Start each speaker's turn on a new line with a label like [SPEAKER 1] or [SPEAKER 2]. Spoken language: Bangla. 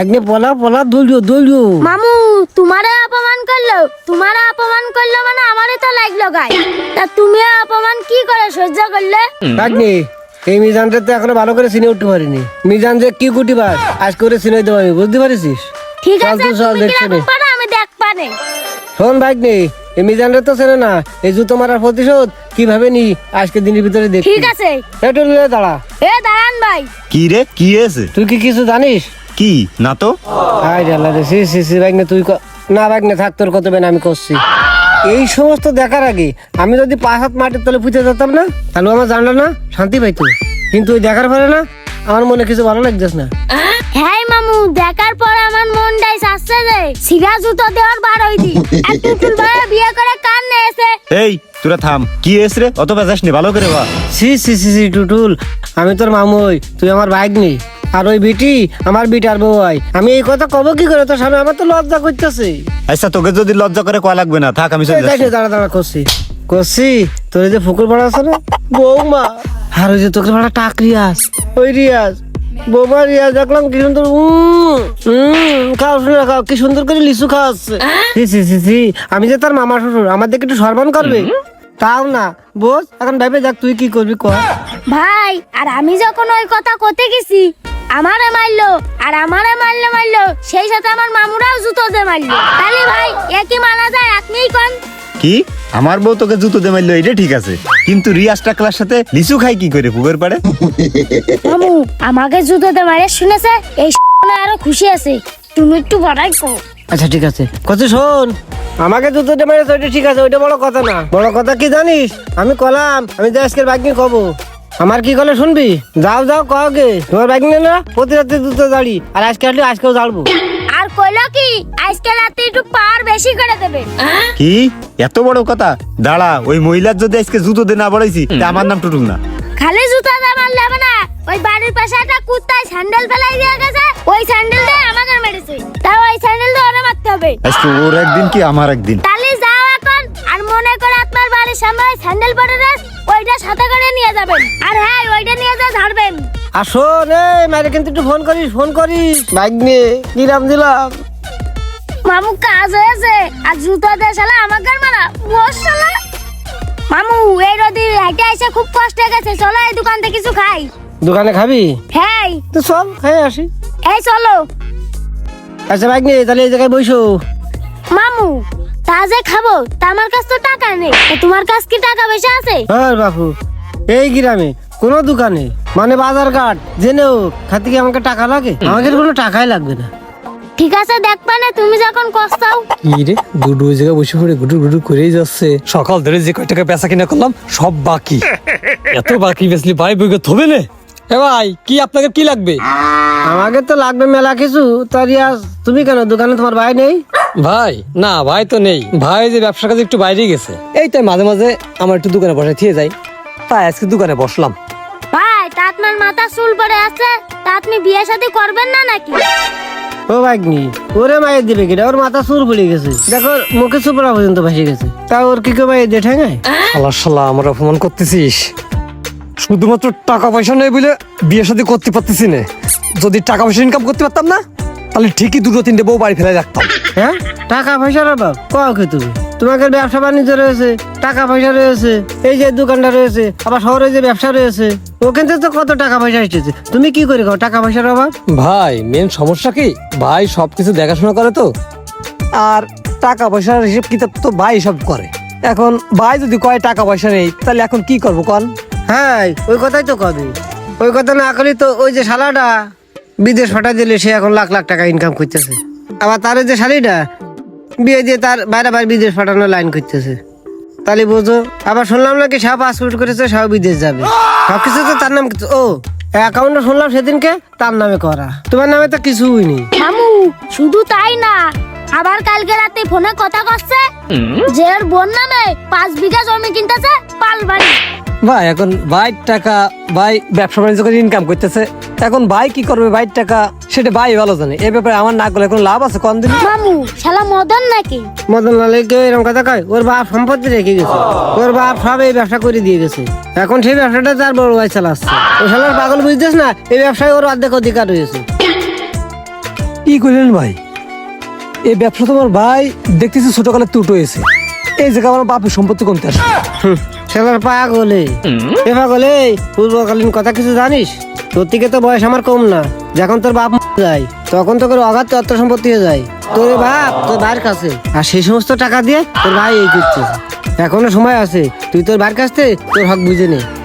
[SPEAKER 1] একনে পলা পলা দলিও
[SPEAKER 2] মামু তোমারে অপমান করলো মানে আমারে তো লাগলো গায়। তা তুমি অপমান কি করে সহ্য করলে?
[SPEAKER 1] একনে এই মিজানটা তো এখনো ভালো করে চিনে উঠতে পারিনি। মিজান যে কি গুটিবার আজ করে চিনে দেবো আমি, বুঝতে পারিস?
[SPEAKER 2] ঠিক
[SPEAKER 1] চল
[SPEAKER 2] আছে
[SPEAKER 1] তুই চল,
[SPEAKER 2] তুমি
[SPEAKER 1] দেখছি
[SPEAKER 2] কিরকম পারো আমি দেখ পারে।
[SPEAKER 1] শোন ভাগ্নে, এই মিজানটা তো চেনে না, এই জুতো মারার প্রতিশোধ কিভাবে নি আজকে দিনের ভিতরে দেখ।
[SPEAKER 2] ঠিক আছে
[SPEAKER 1] একটু দাঁড়া।
[SPEAKER 2] এ দাঁড়ান ভাই।
[SPEAKER 3] কি রে, কি হয়েছে?
[SPEAKER 1] তুই কি কিছু জানিস?
[SPEAKER 3] কি না তো।
[SPEAKER 1] আয় রে আল্লাহ রে, সি ভাগ্নে তুই না ভাগ্নে থাক, তোর কত বেন আমি করছি। এই সমস্ত দেখার আগে আমি যদি 5 হাত মাটির তলে পুঁতে যেতাম না, তাহলে আমার জানলো না শান্তি পাইতো। কিন্তু ওই দেখার পরে না আমার মনে কিছু ভালো লাগতেছ না।
[SPEAKER 2] হ্যাঁ মামু, দেখার পর আমার মনটাই চাচ্ছে যে সিগা জুতো দেওয়ার বার হইতি। আর টুটুল ভাই বিয়ে করে কান নেছে।
[SPEAKER 3] এই তোরা থাম, কি হয়েছে রে? অত বেজাস নি, ভালো করে বা।
[SPEAKER 1] সি টুটুল, আমি তোর মামুই, তুই আমার ভাগ্নি। আর ওই বিটি আমার বিটার বউ হয়। আমি এই কথা কব কি করে তোর সামনে? আমার তো লজ্জা করতেছে।
[SPEAKER 3] আচ্ছা তোকে যদি লজ্জা করে কয়া লাগবে না, থাক আমি চলে যাচ্ছি।
[SPEAKER 1] দাঁড়া করছি তোর এই যে ফুকুর ভাড়া আছে না বৌমা, আর ওই যে তোকে ভাড়া টাক রিয়াজ, ওই রিয়াজ বৌমা রিয়াজ দেখলাম কি সুন্দর খাও শুনে খাও, কি সুন্দর করে লিচু খাওয়াচ্ছে। সি আমি যে তার মামা শ্বশুর, আমার দিকে একটু সম্মান করবে তাও না। বোঝ এখন ভাইবে যাক, তুই কি করবি কর।
[SPEAKER 2] ভাই আর আমি যখন ওই কথা কতে গেছি আমারে মারলো, আর আমারে মারলো সেই সাথে আমার মামুরাও জুতো দিয়ে মারলো। তাহলে ভাই একই মানা যায়, আপনিই কোন।
[SPEAKER 3] কি আমার বউ তোকে জুতো দিয়ে মারলো, এটা ঠিক আছে, কিন্তু রিয়াজ টাকলার সাথে লিচু খাই কি করে পুকুর পাড়ে?
[SPEAKER 2] মামু আমাকে জুতো দিয়ে মারে শুনেছে, এই আরো খুশি আছে। তুমি একটু বড়াই কো।
[SPEAKER 1] আচ্ছা ঠিক আছে, কত শোন, আমাকে জুতোটা মেরেছে ওইটা ঠিক আছে, ওইটা বড় কথা না। বড় কথা কি জানিস? আমি কলাম আমি যে আজকের বাইকনি কব, আমার কি কলে শুনবি? যাও কগে তোমার বাইক নিয়ে না, প্রতি রাতে জুতো দাঁড়ি, আর আজকে আসলে আজকেও জ্বালবো।
[SPEAKER 2] আর কইলো কি আজকে রাতে একটু পার বেশি করে দেবে।
[SPEAKER 3] কি এত বড় কথা? দাঁড়া, ওই মহিলার যদি আজকে জুতো দিয়ে না বড়াইছি, তা আমার নাম টুটুল না।
[SPEAKER 2] খালি জুতো দিয়ে মারলে হবে না, ওই বাড়ির পাশে একটা কুত্তায় স্যান্ডেল ফেলাই দিয়ে গেছে, ওই স্যান্ডেল দিয়ে আমাকে মেরেছে, তাও ওই স্যান্ডেল দিয়ে ওরে মারতে হবে।
[SPEAKER 3] আজকে ওর একদিন কি আমার একদিন।
[SPEAKER 2] তাহলে যাও এখন, আর মনে করে আপনার বাড়ির সামনে ওই স্যান্ডেল পড়ে রয়েছে, ওইটা সাথে করে নিয়ে যাবেন। আর হ্যাঁ ওইটা নিয়ে যা ঝাড়বেন।
[SPEAKER 1] আর শোন এই মায়ের কিন্তু একটু ফোন করিস বাইক নিয়ে, কি নাম দিলাম?
[SPEAKER 2] মামু কাজ হয়েছে, আর জুতো দিয়ে শালা আমাকে মারা বসালা। মামু এই রোদে হেঁটে এসে খুব কষ্ট হয়ে গেছে, চলো এই দোকান থেকে কিছু খাই।
[SPEAKER 1] দোকানে খাবি?
[SPEAKER 2] হ্যাঁ
[SPEAKER 1] তো চল খাই আসি।
[SPEAKER 2] এই চলো।
[SPEAKER 1] আচ্ছা বাইক নিয়ে তাহলে এই জায়গায় বসো।
[SPEAKER 2] মামু তা যে খাবো, তা আমার কাছে তো টাকা নেই, তা তোমার কাছে কি টাকা পয়সা আছে?
[SPEAKER 1] হ্যাঁ বাপু, এই গ্রামে কোনো দোকানে মানে বাজার ঘাট জেনেও খাতে কি আমাকে টাকা লাগে? আমাকে কোনো টাকাই লাগবে না।
[SPEAKER 2] ঠিক আছে দেখবা না, তুমি যখন কষ্টাও।
[SPEAKER 4] কি রে গুডু ওই জায়গায় বসে পড়ে গুডু করেই যাচ্ছে। সকাল ধরে যে কয় টাকা বেচা কিনা করলাম সব বাকি। এত বাকি বেচলি ভাই বইকে থবে না। এ ভাই কি আপনাকে কি লাগবে?
[SPEAKER 1] আমাকে তো লাগবে মেলা কিছু। তা রিয়াজ তুমি কেন দোকানে, তোমার ভাই নেই?
[SPEAKER 4] ভাই না, ভাই তো নেই, ভাই যে ব্যবসার কাজে একটু বাইরে গেছে, এই তাই মাঝে মাঝে আমার একটু দোকানে বসে থিয়ে যাই, তাই আজকে দোকানে বসলাম।
[SPEAKER 2] ভাই তা আপনার মাথা চুল পড়ে আছে, তা আপনি বিয়ে শাদী করবেন না নাকি?
[SPEAKER 1] ও ভাগ্নি, ওরে মায়ের দিবে কিনা? ওর মাথা চুল পড়ে গেছে, দেখো মুখে চুপড়া পর্যন্ত ভাসে গেছে, তা ওর কি কেউ মায়ের দিয়ে ঠেঙায়?
[SPEAKER 4] শালা আমার অপমান করতেছিস। শুধুমাত্র টাকা পয়সা নেই বলে বিয়ে শাদী করতে পারতেছি না। যদি টাকা পয়সা ইনকাম করতে পারতাম না, তাহলে ঠিকই 2-3টে বউ বাড়ি ফেলে রাখতাম।
[SPEAKER 1] হ্যাঁ টাকা পয়সার অভাব কও কি তুমি? তোমাকে ব্যবসা বাণিজ্য রয়েছে, টাকা পয়সা রয়েছে, এই যে দোকানটা রয়েছে, আবার শহরে যে ব্যবসা রয়েছে, ওখান থেকে তো কত টাকা পয়সা এসেছে। তুমি কি করে খাও টাকা পয়সার অভাব?
[SPEAKER 4] ভাই মেন সমস্যা কি, ভাই সবকিছু দেখাশোনা করে তো, আর টাকা পয়সার হিসেব কিতাব তো ভাই সব করে। এখন ভাই যদি কয় টাকা পয়সা নেই, তাহলে এখন কি করবো কন?
[SPEAKER 1] হ্যাঁ ওই কথাই তো কবে, ওই কথা না করলে তো ওই যে শালাটা বিদেশ ফাটা দিলে সে এখন লাখ লাখ টাকা ইনকাম করতেছে, আবার তার যে শালিটা বিয়ে দিয়ে তার বাইরে বিদেশ ফাটানোর লাইন করতেছে। তাহলে বোঝো, আবার শুনলাম নাকি সব পাসপোর্ট করেছে, সব বিদেশ যাবে, সবকিছু তো তার নাম। ও অ্যাকাউন্টটা শুনলাম সেদিনকে তার নামে করা, তোমার নামে তো কিছুই নেই।
[SPEAKER 2] মামু শুধু তাই না, আবার কালকে রাতে ফোনে কথা করছে যে ওর বোন নামে 5 বিঘা জমি কিনতেছে পালবাড়ি।
[SPEAKER 4] ভাই এখন ভাই টাকা, ভাই ব্যবসা বাণিজ্য করে ইনকাম করতেছে, এখন ভাই কি করবে ভাই টাকা, সেটা ভাই ভালো জানে। এ ব্যাপারে আমার না করলে কোনো লাভ আছে কোন দিন?
[SPEAKER 2] মামু শালা মদন নাকি?
[SPEAKER 1] মদন লালে কেউ এরকম কথা কয়? ওর বাপ সম্পত্তি রেখে গেছে, ওর বাপ সব এই ব্যবসা করে দিয়ে গেছে, এখন সেই ব্যবসাটা তার বড় ভাই চালাচ্ছে। ও শালার পাগল বুঝতেছ না, এই ব্যবসায় ওর অর্ধেক অধিকার রয়েছে।
[SPEAKER 4] কি করলেন ভাই? এই ব্যবসা তোমার ভাই দেখতেছি ছোটকালে ত্রুট হয়েছে। এই জায়গায় আমার বাপের সম্পত্তি কমতে আসে।
[SPEAKER 1] সেলার পাগলে এ পাগলে পূর্বকালীন কথা কিছু জানিস? তোর থেকে তো বয়স আমার কম না। যখন তোর বাপ মারা যায় তখন তোর অগাধ অর্থ সম্পত্তি হয়ে যায় তোর বাপ তোর ভাইয়ের কাছে, আর সেই সমস্ত টাকা দিয়ে তোর ভাই এই করছে। এখনো সময় আছে, তুই তোর ভাইয়ের কাছ থেকে তোর হক বুঝে নে।